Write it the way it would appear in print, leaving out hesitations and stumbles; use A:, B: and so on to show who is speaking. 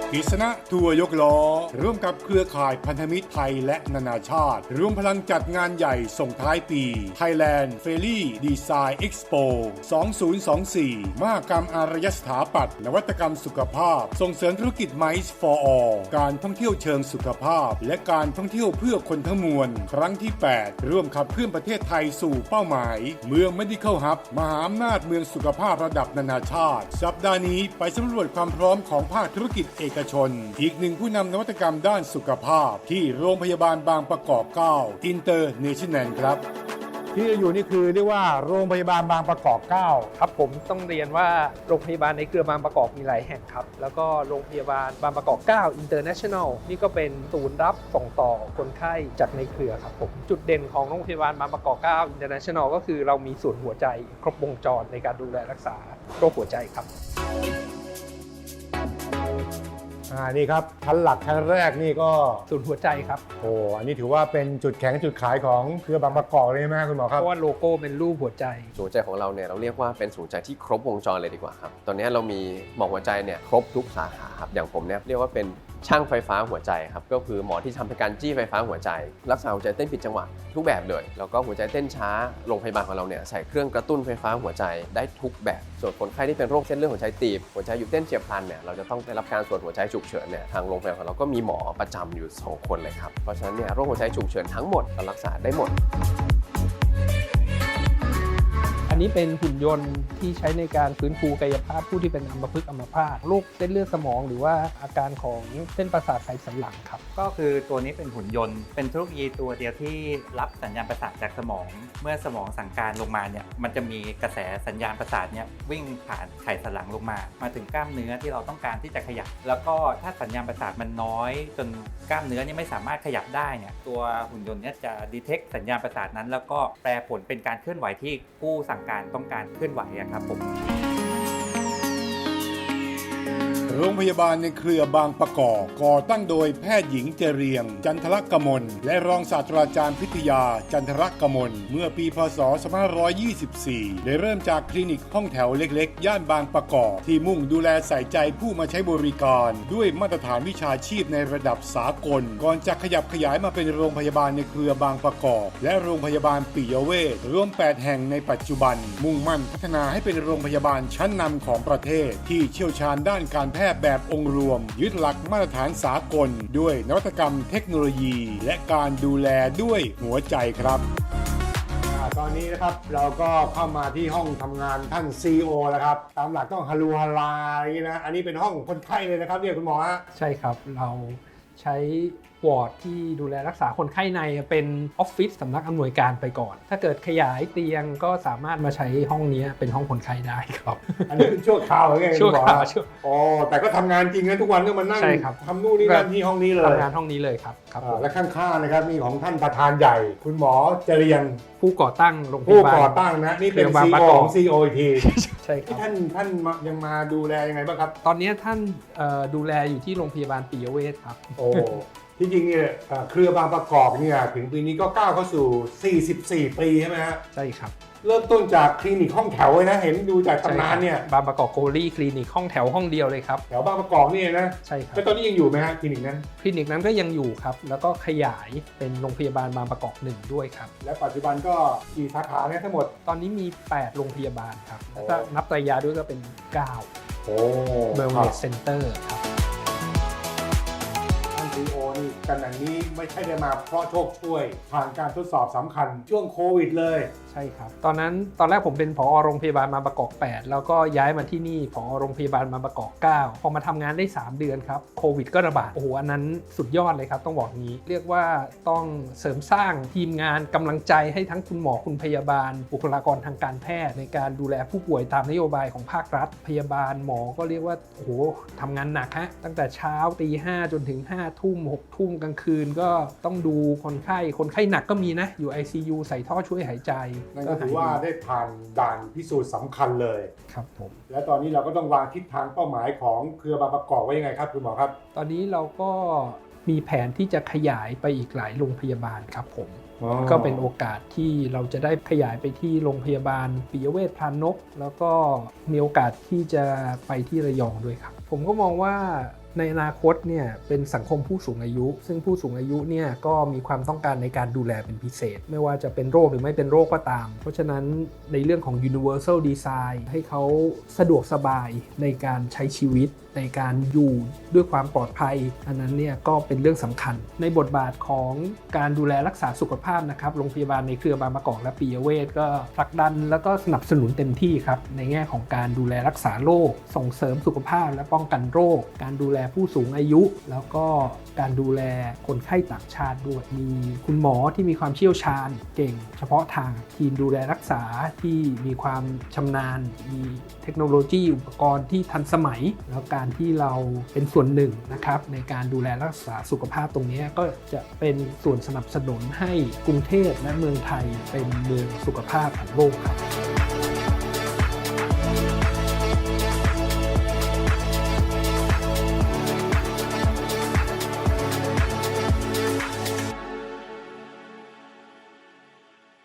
A: กิษณะทัวร์ยกล้อร่วมกับเครือข่ายพันธมิตรไทยและนานาชาติรวมพลังจัดงานใหญ่ส่งท้ายปี Thailand Ferry Design Expo 2024 มหกรรมอารยสถาปัตย์นวัตกรรมสุขภาพส่งเสริมธุรกิจ Mice for All การท่องเที่ยวเชิงสุขภาพและการท่องเที่ยวเพื่อคนทั้งมวลครั้งที่ 8 ร่วมขับเคลื่อนประเทศไทยสู่เป้าหมายเมือง Medical Hub มหาอำนาจเมืองสุขภาพระดับนานาชาติสัปดาห์นี้ไปสำรวจความพร้อมของภาคธุรกิจเอกชนอีกหนึ่งผู้นำนวัตกรรมด้านสุขภาพที่โรงพยาบาลบางประกอบ 9 International ครับที่อยู่นี่คือเรียกว่าโรงพยาบาลบางประกอบ 9
B: ครับผมต้องเรียนว่าโรงพยาบาลในเครือบางประกอบมีหลายแห่งครับแล้วก็โรงพยาบาลบางประกอบ 9 International นี่ก็เป็นศูนย์รับส่งต่อคนไข้จากในเครือครับผมจุดเด่นของโรงพยาบาลบางประกอบ 9 International ก็คือเรามีศูนย์หัวใจครบวงจรในการดูแลรักษาโรคหัวใจครับ
A: นี่ครับชั้นหลักชั้นแรกนี่ก็
B: ศูนย์หัวใจครับ
A: อันนี้ถือว่าเป็นจุดแข็งจุดขายของเครือบางประกอบเลยใช่ไหมคุณหมอครับ
B: เพราะว่าโลโก้เป็นรูปหัวใจ
C: ศูนย์หัวใจของเราเนี่ยเราเรียกว่าเป็นศูนย์หัวใจที่ครบวงจรเลยดีกว่าครับตอนนี้เรามีหมอหัวใจเนี่ยครบทุกสาขาครับอย่างผมเนี่ยเรียกว่าเป็นช่างไฟฟ้าหัวใจครับก็คือหมอที่ทำการจี้ไฟฟ้าหัวใจรักษาหัวใจเต้นผิดจังหวะทุกแบบเลยแล้วก็หัวใจเต้นช้าโรงพยาบาลของเราเนี่ยใส่เครื่องกระตุ้นไฟฟ้าหัวใจได้ทุกแบบส่วนคนไข้ที่เป็นโรคเส้นเลือดหัวใจตีบหัวใจหยุดเต้นเฉียบพลันเนี่ยเราจะต้องได้รับการตรวจหัวใจฉุกเฉินเนี่ยทางโรงพยาบาลของเราก็มีหมอประจำอยู่2คนเลยครับเพราะฉะนั้นเนี่ยโรคหัวใจฉุกเฉินทั้งหมดเรารักษาได้หมด
B: อันนี้เป็นหุ่นยนต์ที่ใช้ในการฟื้นฟูกายภาพผู้ที่เป็นอัมพฤกษ์อัมพาตโรคเส้นเลือดสมองหรือว่าอาการของเส้นประสาทไขสันหลังครับ
D: ก็คือตัวนี้เป็นหุ่นยนต์เป็นเทคโนโลยีตัวเดียวที่รับสัญญาณประสาทจากสมองเมื่อสมองสั่งการลงมาเนี่ยมันจะมีกระแสสัญญาณประสาทเนี่ยวิ่งผ่านไขสันหลังลงมาถึงกล้ามเนื้อที่เราต้องการที่จะขยับแล้วก็ถ้าสัญญาณประสาทมันน้อยจนกล้ามเนื้อนี่ไม่สามารถขยับได้เนี่ยตัวหุ่นยนต์เนี่ยจะดีเทคสัญญาณประสาทนั้นแล้วก็แปลผลเป็นการเคลื่อนไหวที่ผู้สั่งการต้องการเคลื่อนไหวครับผม
A: โรงพยาบาลในเครือบางประกอบก่อตั้งโดยแพทย์หญิงเจเรียงจันทรกมลและรองศาสตราจารย์พิทยาจันทรกมลเมื่อปีพ.ศ. 2524ได้เริ่มจากคลินิกห้องแถวเล็กๆย่านบางประกอบที่มุ่งดูแลใส่ใจผู้มาใช้บริการด้วยมาตรฐานวิชาชีพในระดับสากลก่อนจะขยับขยายมาเป็นโรงพยาบาลในเครือบางประกอบและโรงพยาบาลปิยเวชรวม8แห่งในปัจจุบันมุ่งมั่นพัฒนาให้เป็นโรงพยาบาลชั้นนำของประเทศที่เชี่ยวชาญด้านการแพทย์แบบองค์รวมยึดหลักมาตรฐานสากลด้วยนวัตกรรมเทคโนโลยีและการดูแลด้วยหัวใจครับตอนนี้นะครับเราก็เข้ามาที่ห้องทำงานท่าน CEO แล้วครับตามหลักต้องฮารูฮาลานะอันนี้เป็นห้องคนไข้เลยนะครับเนี่ยคุณหมอฮะ
B: ใช่ครับเราใช้วอร์ดที่ดูแลรักษาคนไข้ในเป็นออฟฟิศสำนักอำนวยการไปก่อนถ้าเกิดขยายเตียงก็สามารถมาใช้ห้องนี้เป็นห้องคนไข้ได้ครับ
A: อันนี้เป็นชั่วคราวไง
B: ชั่วคราว
A: แต่ก็ทำงานจริงนะทุกวันก็มานั่งทำนู่นนี่นั่นที่ห้องนี้เลย
B: ทำงานห้องนี้เลยครับ
A: และข้างๆนะครับนี่ของท่านประธานใหญ่คุณหมอเจริญ
B: ผู้ก่อตั้งโรงพยาบาล
A: ผู้ก่อตั้งนะนี่เป็น CEO ของ CEO อีกที
B: ใช่ครับ
A: ท่านยังมาดูแลยังไงบ้างครับ
B: ตอนนี้ท่านดูแลอยู่ที่โรงพยาบาลปิยเวชครับ
A: ที่จริงเนี่ยเครือบางประกอบเนี่ยถึงปีนี้ก็ก้าวเข้าสู่44ปีใช่ไหมฮะ
B: ใช่ครับ
A: เริ่มต้นจากคลินิกห้องแถวเลยนะเห็นดูจากตำนานเนี่ย
B: บางประกอบโกลี่คลินิกห้องแถวห้องเดียวเลยครับ
A: แถวบางประกอบนี่นะ
B: ใช่ครับ
A: แล้วตอนนี้ยังอยู่ไหมฮะคลินิกนั้น
B: ก็ยังอยู่ครับแล้วก็ขยายเป็นโรงพยาบาลบางประกอบ1ด้วยครับ
A: และปัจจุบันก็กี่สาขาเนี่ยทั้งหมด
B: ตอนนี้มี8โรงพยาบาลครับถ้านับระยะด้วยก็เป็น9
A: โอ้
B: เวลเนสเซ็นเตอร์ครับ
A: CEO นี่ตำแหน่งนี้ไม่ใช่ได้มาเพราะโชคช่วยผ่านการทดสอบสำคัญช่วงโควิดเลย
B: ใช่ครับตอนแรกผมเป็นผอ.โรงพยาบาลบางประกอบ8แล้วก็ย้ายมาที่นี่ผอ.โรงพยาบาลบางประกอบ9พอมาทำงานได้3เดือนครับโควิดก็ระบาดอันนั้นสุดยอดเลยครับต้องบอกงี้เรียกว่าต้องเสริมสร้างทีมงานกำลังใจให้ทั้งคุณหมอคุณพยาบาลบุคลากรทางการแพทย์ในการดูแลผู้ป่วยตามนโยบายของภาครัฐพยาบาลหมอก็เรียกว่าทำงานหนักฮะตั้งแต่เช้าตี5จนถึง5 ทุ่ม6 ทุ่มกลางคืนก็ต้องดูคนไข้หนักก็มีนะอยู่ ICU ใส่ท่อช่วยหายใจ
A: นั่นก็ถือว่าได้ผ่านด่านพิสูจน์สำคัญเลย
B: ครับผม
A: และตอนนี้เราก็ต้องวางทิศทางเป้าหมายของเครือบางประกอบไว้ยังไงครับคุณหมอครับ
B: ตอนนี้เราก็มีแผนที่จะขยายไปอีกหลายโรงพยาบาลครับผมก็เป็นโอกาสที่เราจะได้ขยายไปที่โรงพยาบาลปิยเวชพรานกแล้วก็มีโอกาสที่จะไปที่ระยองด้วยครับผมก็มองว่าในอนาคตเนี่ยเป็นสังคมผู้สูงอายุ ซึ่งผู้สูงอายุเนี่ยก็มีความต้องการในการดูแลเป็นพิเศษ ไม่ว่าจะเป็นโรคหรือไม่เป็นโรคก็ตาม เพราะฉะนั้นในเรื่องของ universal design ให้เขาสะดวกสบายในการใช้ชีวิตในการอยู่ด้วยความปลอดภัยอันนั้นเนี่ยก็เป็นเรื่องสำคัญในบทบาทของการดูแลรักษาสุขภาพนะครับโรงพยาบาลในเครือบางประกอบและปิยเวชก็ผลักดันแล้วก็สนับสนุนเต็มที่ครับในแง่ของการดูแลรักษาโรคส่งเสริมสุขภาพและป้องกันโรคการดูแลผู้สูงอายุ แล้วก็การดูแลคนไข้ต่างชาติด้วยมีคุณหมอที่มีความเชี่ยวชาญเก่งเฉพาะทางทีมดูแลรักษาที่มีความชำนาญมีเทคโนโลยีอุปกรณ์ที่ทันสมัยแล้วการที่เราเป็นส่วนหนึ่งนะครับในการดูแลรักษาสุขภาพตรงนี้ก็จะเป็นส่วนสนับสนุนให้กรุงเทพและเมืองไทยเป็นเมืองสุขภาพของโลกครับ